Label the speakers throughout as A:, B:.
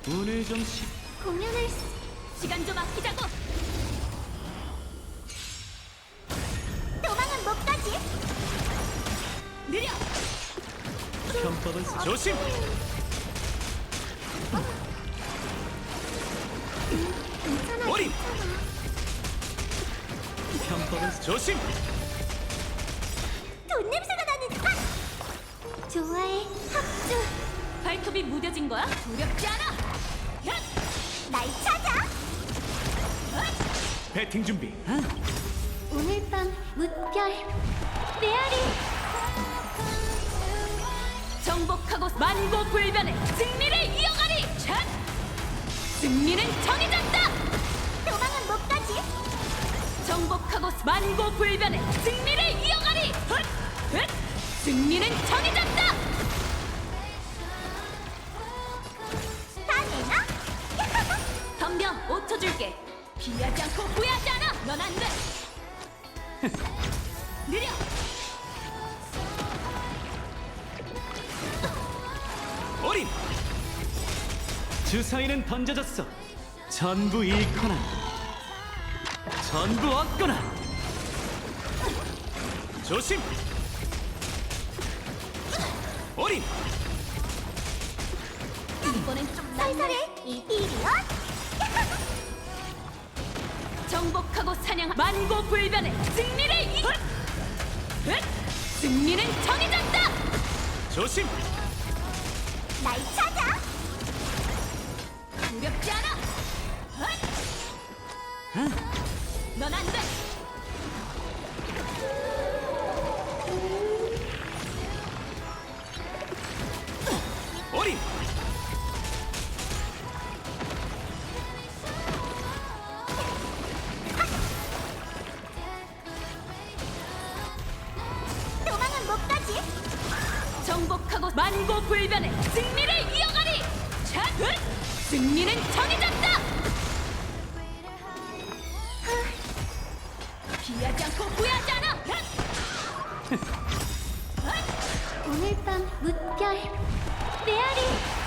A: 오늘 좀
B: 공연을 시간 좀 아끼자고. 도망은 못 가지. 느려.
A: 편법은 조심.
B: 괜찮아.
A: 머리.
B: 괜찮아.
A: 편법은 조심.
B: 돈 냄새가 나는. 아! 좋아해. 합주. 발톱이 무뎌진 거야? 두렵지 않아. 야! 날 찾아.
A: 배팅 준비.
B: 오늘 밤 무별 메아리. 정복하고 만고불변의 승리를 이어가리. 샷! 승리는 정해졌다. 도망은 못 가지. 정복하고 만고불변의 승리를 이어가리. 헛! 헛! 승리는 정해졌다. 다 내놔. 덤벼. 5초 줄게. 피하지 않고 후회하지 않아. 넌 안 돼. 느려.
A: 어린. 주사위는 던져졌어. 전부 잃거나 전부 얻거나. 조심. 어린.
B: 이번엔 좀 살살해. 이리온. 정복하고 사냥한 만고불변의 승리를 승리는 정해졌다.
A: 조심.
B: 날 찾아. 두렵지 않아. 넌 안 돼.
A: 어린.
B: 도망은 못 가지. 정복하고 만고불변의 승리를 이어가리. 자, 승리는 정해졌다. 피하지 않고 후회하지 않아. 오늘 밤 무별 메아리.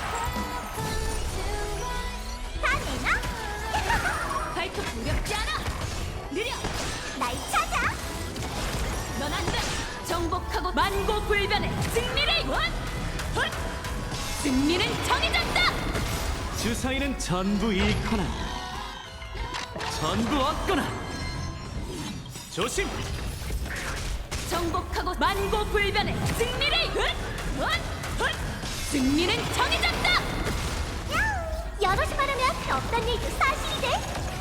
B: 다 내놔. 발톱 두렵지 않아. 느려. 날 찾아. 넌 안 돼. 정복하고 만고불변의 승리를 승리는 정해졌다.
A: 주사위는 전부 잃거나 전부 얻거나. 조심.
B: 정복하고 만고불변의 승리를 승리는 정해졌다. 여럿이 말하면 없던 일도 사실이 돼.